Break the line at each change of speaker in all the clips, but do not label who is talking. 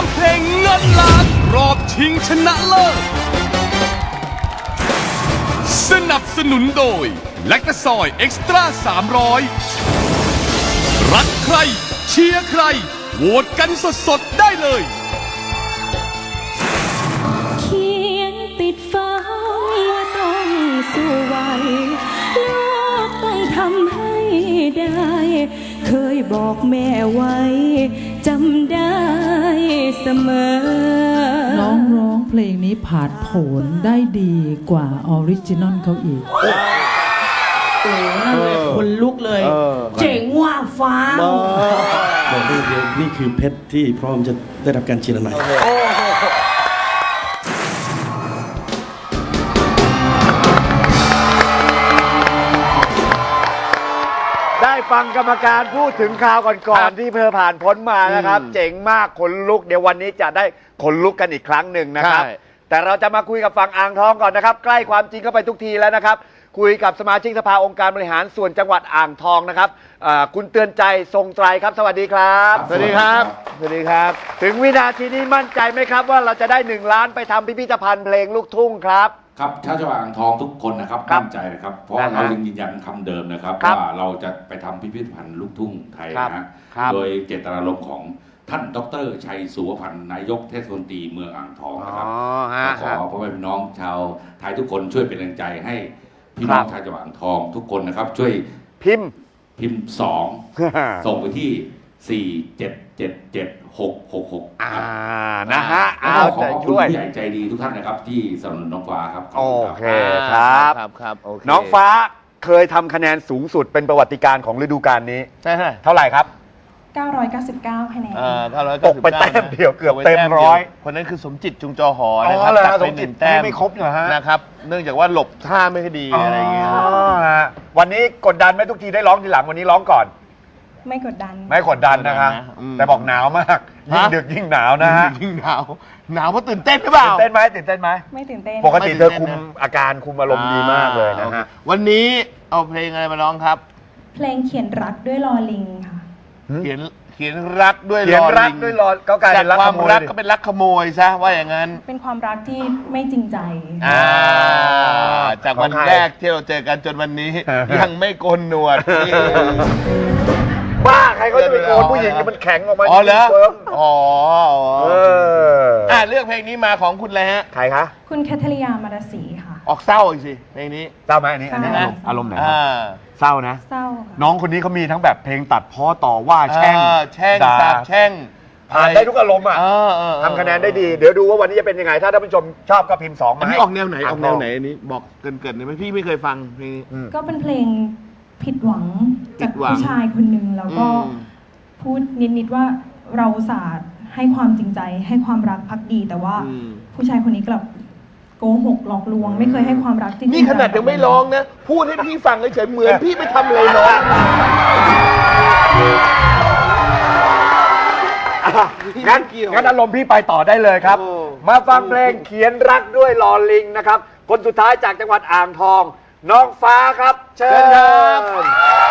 ามเพลงเงินล้านรอบชิงชนะเลิศสนับสนุนโดยแลคตาซอยเอ็กซ์ตร้า300รักใครเชียร์ใครโหวตกันสดๆได้เลย
เขียนติดฟ้าว่าต้องสู้ไหวลูกต้องทำให้ได้เคยบอกแม่ไว้จำได้เสมอ
น้องร้องเพลงนี้ผ่านผลได้ดีกว่าออริจินอลเขาอีก
โอ้นั่นเลยคนลุกเลยเจ๋งว่าฟ้า
บอกได้เลยนี่คือเพชรที่พร้อมจะได้รับการเชียร์ใหม่
ได้ฟังกรรมการพูดถึงข่าวก่อนๆที่เธอผ่านพ้นมานะครับเจ๋งมากขนลุกเดี๋ยววันนี้จะได้ขนลุกกันอีกครั้งหนึ่งนะครับแต่เราจะมาคุยกับฝั่งอ่างทองก่อนนะครับใกล้ความจริงเข้าไปทุกทีแล้วนะครับคุยกับสมาชิกสภาองค์การบริหารส่วนจังหวัดอ่างทองนะครับคุณเตือนใจทรงไตรครับสวัสดีครับ
สวัสดีครับสวัสดีครับ
ถึงวินาทีนี้มั่นใจไหมครับว่าเราจะได้1 ล้านไปทำพิพิธภัณฑ์เพลงลูกทุ่งครับ
ครับชาวจังหวัดอ่างทองทุกคนนะครับมั่นใจนะครับเพราะเรายังยืนยันคำเดิมนะครับว่าเราจะไปทำพิพิธภัณฑ์ลูกทุ่งไทยนะโดยเจตนารมณ์ของท่านดร.ชัยสุวพันธ์นายกเทศมนตรีเมืองอ่างทองนะครับขอพ่อแม่พี่น้องชาวไทยทุกคนช่วยเป็นแรงใจให้พี่น้องชาวจังหวัดอ่างทองทุกคนนะครับช่วย
พิมพ์
2ส่งไปที่4777666
นะฮะ
เอาใจช่วยผู้ใหญ่ใจดีทุกท่านนะครับที่สนับสนุนน้องฟ้าครับ
โอเคครับน้องฟ้าเคยทำคะแนนสูงสุดเป็นประวัติการณ์ของฤดูกาลนี้
ใช่
เท่าไหร่ครับ
999คะแนน
ตกไปแต้มเดียวเกือบเต็ม100
คนนั้นคือสมจิตจุงจอหอนะครับ
ตัดไป1 แต้มไม่ครบเหรอฮะ
นะครับเนื่องจากว่าหลบท่าไม่ค่อยดีอะไรอย่างเงี้ย
วันนี้กดดันไหมทุกทีได้ร้องทีหลังวันนี้ร้องก่อน
ไม่กดดัน
นะครับแต่บอกหนาวมากยิ่งดึกยิ่งหนาวนะฮะ
ยิ่งหนาวเพราะตื่นเต้นหรือเปล่า
ตื่นเต้นไหมไม่ตื่นเต้นปกติเธอคุมอาการคุมอารมณ์ดีมากเลยนะฮะ
วันนี้เอาเพลงอะไรมาร้องครับ
เพลงเขียนรักด้วยลอลิงค่ะ
เขียนรักด้วยลอลิง
ก็กลายเป็นรักขโมย
รักก็เป็นรักขโมยซะว่าอย่างนั้น
เป็นความรักที่ไม่จริงใจ
จากวันแรกที่เราเจอกันจนวันนี้ยังไม่โกนหนวด
บ้าใครเขาจะไปโกนผู้หญิงมันแข็งออกมา
อ๋อเหรอเลือกเพลงนี้มาของคุณเลยฮะ
ใครคะ
คุณแคทริยามาราศีค่ะ
ออกเศร้าอีกสิเพลงนี้
เศร้าไหมอันนี้อารมณ์ไหนเศร้านะ
เศร้า
น้องคนนี้เขามีทั้งแบบเพลงตัดพ้อต่อว่าแช่ง
สาบแช่ง
ผ่านได้ทุกอารมณ์ทำคะแนนได้ดีเดี๋ยวดูว่าวันนี้จะเป็นยังไงถ้าท่านผู้ชมชอบก็พิมพ์2มา
ให้ออกแนวไหนอันนี้บอกเกินๆเลยไหมพี่ไม่เคยฟังเพลงนี้
ก็เป็นเพลงผิดหวังจากผู้ชายคนหนึ่งแล้วก็พูดนิดว่าเราอุตส่าห์ให้ความจริงใจให้ความรักภักดีแต่ว่าผู้ชายคนนี้กลับโกหกหลอกลวงไม่เคยให้ความรักจริง
นี่ขนาดยังไม่ร้องนะพูดให้พี่ฟังเฉยเหมือนพี่ไปทำอะไรน้อง
งั้นอารมณ์พี่ไปต่อได้เลยครับมาฟังเพลงเขียนรักด้วยลอลิงนะครับคนสุดท้ายจากจังหวัดอ่างทองน้องฟ้าครับเชิญครับ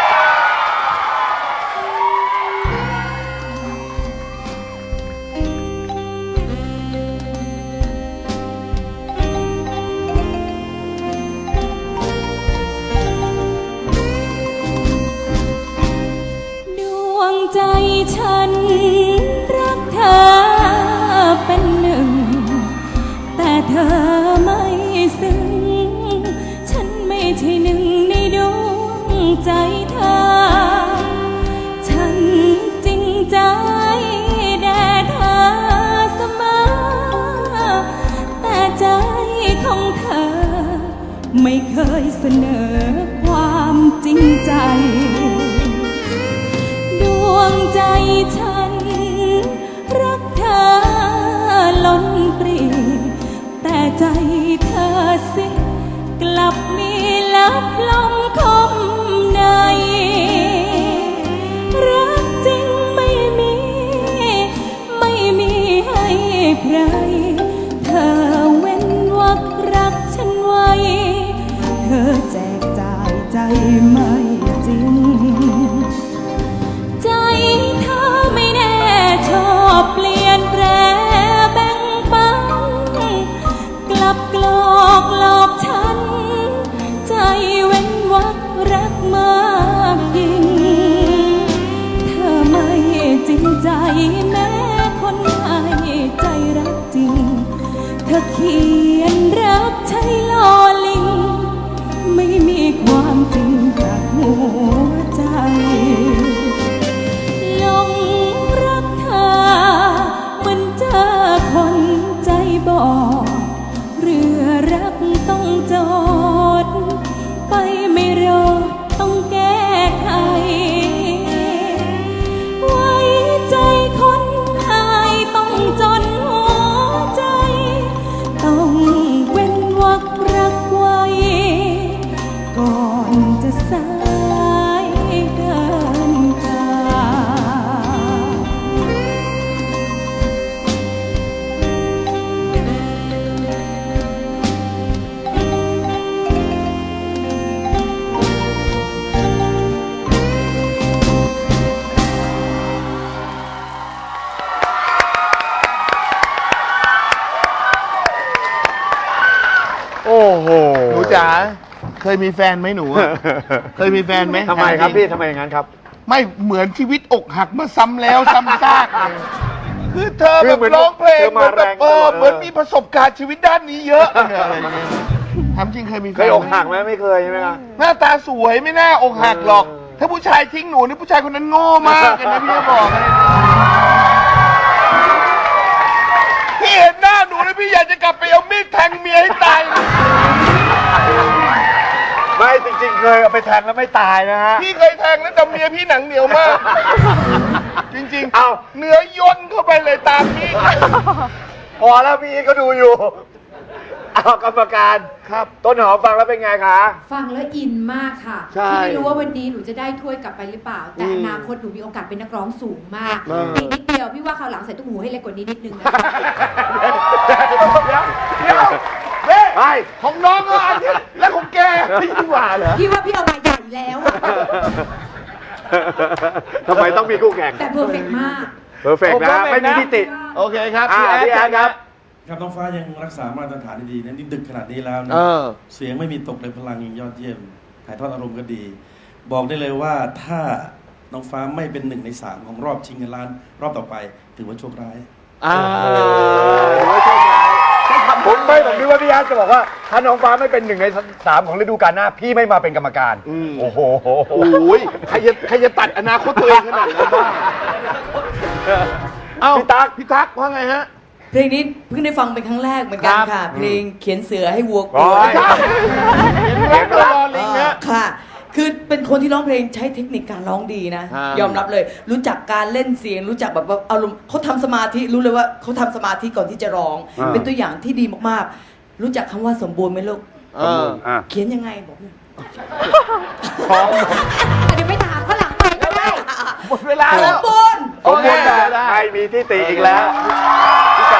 ดวงใจฉันรักเธอเป็นหนึ่งแต่เธอไม่ซึ้งฉันไม่ใช่หนึ่งในดวงใจเธอฉันจริงใจแด่เธอเสมอแต่ใจของเธอไม่เคยเสนอความจริงใจดวงใจฉันรักเธอล้นปรีแต่ใจเธอสิกลับมีลับลมคมในรักจริงไม่มีให้ใครเธอเว้นวรรครักฉันไว้เธอแจกจ่ายใจไม่จริงใจเธอไม่แน่ชอบเปลี่ยนแปลง
เคยมีแฟนไหมหนูอะ เคยมีแฟนไหม
ทำไมครับพี่ทำไมอย่างนั้นครับ
ไม่เหมือนชีวิตอกหักมาซ้ำแล้วซ้ำซากเลยคือเธอ
คื
แบ
อบ เหมือน
ร้องเพลง
เธอ
เห
มา
มือนแบบ
แรงตลอด
เหมือนมีประสบการณ์ชีวิตด้านนี้เยอะเนี่ยอะไรเงี้ยทำจริงเคยมีแฟน
เคยอกหัก
ไห
ไห
ม
มไม่เคยใช่ไหมครับ
หน้าตาสวยไม่น่าอกหักหรอก ถ้าผู้ชายทิ้งหนูนี่ผู้ชายคนนั้นโง่มากเลยนะพี่จะบอกเลยพี่เห็นหน้าหนูแล้วพี่อยากจะกลับไปเอามีดแทงเมียให้ตายเลย
ไม่จริงๆเคยเอาไปแทงแล้วไม่ตายนะฮะ
พี่เคยแทงแล้วแต่เมียพี่หนังเหนียวมาก จริงๆ
เอา
เนื้อย่นเข้าไปเลยตามพี่
พอแล้วพี่ก็ดูอยู่ เอากรรมการครับต้นหอมฟังแล้วเป็นไงคะ
ฟังแล้วอินมากค่ะ
ใช่
ที่ไม่รู้ว่าวันนี้หนูจะได้ถ้วยกลับไปหรือเปล่า แต่อนาคตหนูมีโอกาสเป็นนักร้องสูงมากอีกนิดเดียวพี่ว่าคราวหลังใส่ตุ้มหูให้เล็กกว่านี้นิดนึงนะ
เฮ้ยของน้องก็อันนี้แล้วของแกไม่ยิ่งกว่าเหรอ
พี่ว่าพี่เอามาใหญ่แล้ว
ทำไมต้องมีคู่แข่ง
แต่เพอร์เฟกต์มาก
เพอร์เฟกต์นะ ไม่มีทิฏฐิ
โอเคครับ
พี่แอนครับ
ครับน้องฟ้ายังรักษามาตรฐานดีๆนะนี่ดึกขนาดนี้แล้วนะเสียงไม่มีตกเลยพลังยังยอดเยี่ยมถ่ายทอดอารมณ์ก็ดี บอกได้เลยว่าถ้าน้องฟ้าไม่เป็น1 ใน 3ของรอบชิงเงินล้านรอบต่อไปถือว่าโชคร้าย
ถือว่าโชคร้ายผมนึกว่าพี่แอนจะบอกว่าถ้าน้องฟ้าไม่เป็น1 ใน 3ของฤดูกาลหน้าพี่ไม่มาเป็นกรรมการโอ้โห
โอ้ยใครจะตัดอนาคตตัวเองขนาดนั้นบ้างเอ้าพี่ตั๊กว่าไงฮะ
เพลงนี้เพิ่งได้ฟังเป็นครั้งแรกเหมือนกันค่ะ เพลงเขียนเสือให้วัวก
โอ้
ลัวย
เสียงรัก
ค่ะ คือเป็นคนที่ร้องเพลงใช้เทคนิคการร้องดีนะ ยอมรับเลย รู้จักการเล่นเสียง รู้จักแบบว่าอารมณ์เขาทำสมาธิ รู้เลยว่าเขาทำสมาธิก่อนที่จะร้อง เป็นตัวอย่างที่ดีมากๆ รู้จักคำว่าสมบูรณ์ไหมลูก เขียนยังไงบอกหน่อยเดี๋ยวไปถามข้างหลังไปก็ได้
หมดเวลา
ส
แล้
ม
ว
บูรณ์
สมบูรณ์แบบไม่มีทิฏฐิอีกแล้วพี่ไก่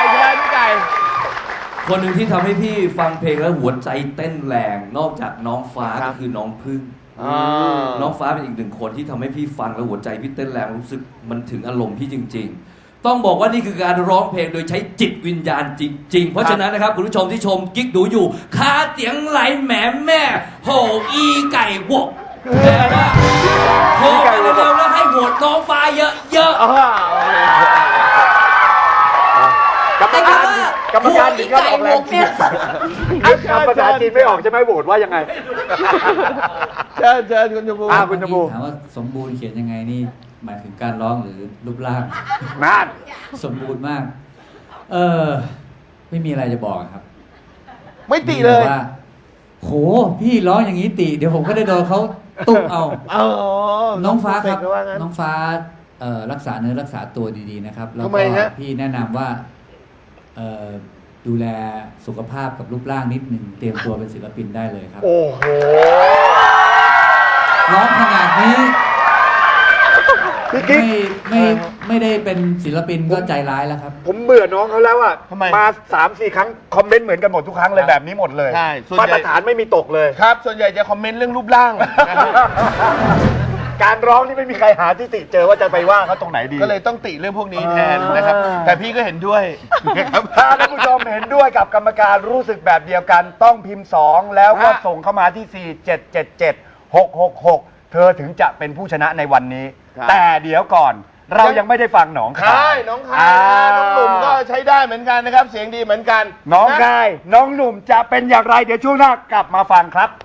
คนหนึ่งที่ทำให้พี่ฟังเพลงแล้วหัวใจเต้นแรงนอกจากน้องฟ้าก็คือน้องพึ่งน้องฟ้าเป็นอีกหนึ่งคนที่ทำให้พี่ฟังแล้วหัวใจพี่เต้นแรงรู้สึกมันถึงอารมณ์พี่จริงๆต้องบอกว่านี่คือการร้องเพลงโดยใช้จิตวิญญาณจริงๆเพราะฉะนั้นนะครับคุณผู้ชมที่ชมกิ๊กดูอยู่คาเสียงไหลแหมแม่โหอีไก่วกแต่ว่าโหไปเร็วๆแล้วให้โหวตน้องฟ้าเยอะ
กรรมการถึงก็ออกแรงเชียร์ภาษาจีนไม่ออกใช่ไหมโหวตว่ายังไง
เชิญคุณชมพู
คุณชมพู
ถามว่าสมบูรณ์เขียนยังไงนี่หมายถึงการร้องหรือรูปร่าง
นั่น
สมบูรณ์มากไม่มีอะไรจะบอกครับ
ไม่ติเลย
ว่าโหพี่ร้องอย่างนี้ติเดี๋ยวผมก็ได้โดนเขาตุ๊บเอาน้องฟ้าครับน้องฟ้ารักษาเนื้อรักษาตัวดีๆนะครับแล้วก็พี่แนะนำว่าดูแลสุขภาพกับรูปร่างนิดหนึ่งเตรียมตัวเป็นศิลปินได้เลยครับ
โอ้โห
ร้องขนาดนี้ไม่ได้เป็นศิลปินก็ใจร้ายแล้วครับ
ผมเบื่อน้องเขาแล้วอ่ะมา 3-4 ครั้งคอมเมนต์เหมือนกันหมดทุกครั้งเลยแบบนี้หมดเลย
ใช่
มาตรฐานไม่มีตกเลย
ครับ ส่วนใหญ่จะคอมเมนต์เรื่องรูปร่าง
การร้องนี่ไม่มีใครหาที่ติเจอว่าจะไปว่าเขาตรงไหนดี
ก็เลยต้องติเรื่องพวกนี้แทนนะครับแต่พี่ก็เห็นด้วยนะครับ
ถ้าท่านผู้ชมเห็นด้วยกับกรรมการรู้สึกแบบเดียวกันต้องพิมพ์ 2 แล้วก็ส่งเข้ามาที่ 4777666 เธอถึงจะเป็นผู้ชนะในวันนี้แต่เดี๋ยวก่อนเรายังไม่ได้ฟังน้องคาย
น้องคายน้องหนุ่มก็ใช้ได้เหมือนกันนะครับเสียงดีเหมือนกัน
น้องคายน้องหนุ่มจะเป็นอย่างไรเดี๋ยวช่วงหน้ากลับมาฟังครับ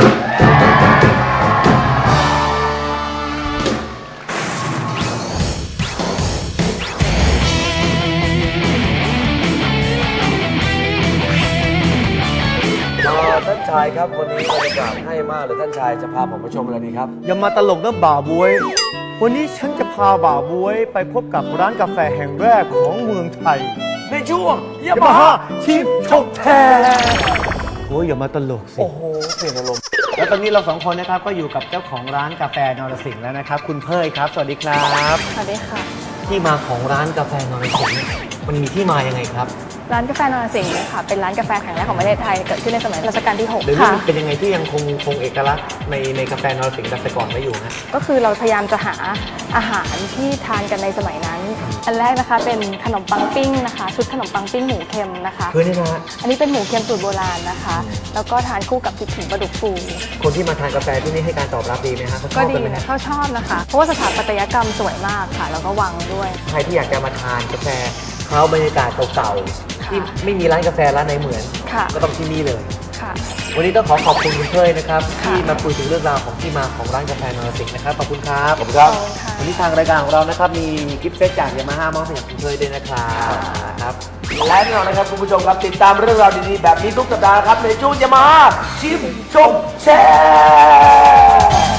ท่านชายครับวันนี้บรรยากาศให้มากเลยท่านชายจะพาผมไปชมอะไรดีครับ
อย่ามาตลกนะบ่าวบวยวันนี้ฉันจะพาบ่าวบวยไปพบกับร้านกาแฟแห่งแรกของเมืองไทย
ในช่วง
ยามาฮ่าชิปชกแทโอ้ยอย่ามาตลกสิ
โอ้โหเปลี่ยนอารมณ์
แล้วตอนนี้เรา2 คนนะครับก็อยู่กับเจ้าของร้านกาแฟนรสิงห์แล้วนะครับคุณเพยครับสวัสดีครับ
สวัสดีค่ะ
ที่มาของร้านกาแฟนรสิงห์มันมีที่มายังไงครับ
ร้านกาแฟนรสิงห์ค่ะเป็นร้านกาแฟแห่งแรกของประเทศไทยเกิดขึ้นในสมัยรัชกาลที่6
เดี๋ยวนี้
ค่ะ
มันเป็นยังไงที่ยังคงเอกลักษณ์ในกาแฟนรสิงห์แบบแต่ก่อนไม่อยู่ฮะ
ก็คือเราพยายามจะหาอาหารที่ทานกันในสมัยนั้น อันแรกนะคะเป็นขนมปังปิ้งนะคะชุดขนมปังปิ้งหมูเค็มนะคะ
คือนี่นะฮะ
อันนี้เป็นหมูเค็มสูตรโบราณนะคะ แล้วก็ทานคู่กับพริกขิงปลาดุกฟู
คนที่มาทานกาแฟที่นี่ให้การตอบรับดีไหมฮะเขาช
ก็
อบ
ดี
กันไหม
นะ
ฮะ
เขาชอบนะคะ เพราะว่าสถาปัตยกรรมสวยมากค่ะ แล้วก็วางด้วย
ใครที่อยากจะมาทานกาแฟเขาบรรยากาศเก่าๆที่ไม่มีร้านกาแฟร้านไหนเหมือน
ค่ะ
ก็ต้องที่นี่เลย
ค่ะ
วันนี้ต้องขอบคุณคุณเต้ยนะครับที่มาคุยถึงเรื่องราวของที่มาของร้านกาแฟนรสิงห์นะครับขอบคุณครับ
ขอบคุณครับ
วันนี้ทางรายการของเรานะครับมีกิฟต์เซตจากยามาฮ่ามอบให้กับคุณเต้ยด้วยนะครับครับและแน่นอนนะครับคุณผู้ชมครับติดตามเรื่องราวดีๆแบบนี้ทุกสัปดาห์ครับในช่วงยามาฮ่าชิมชมแชร์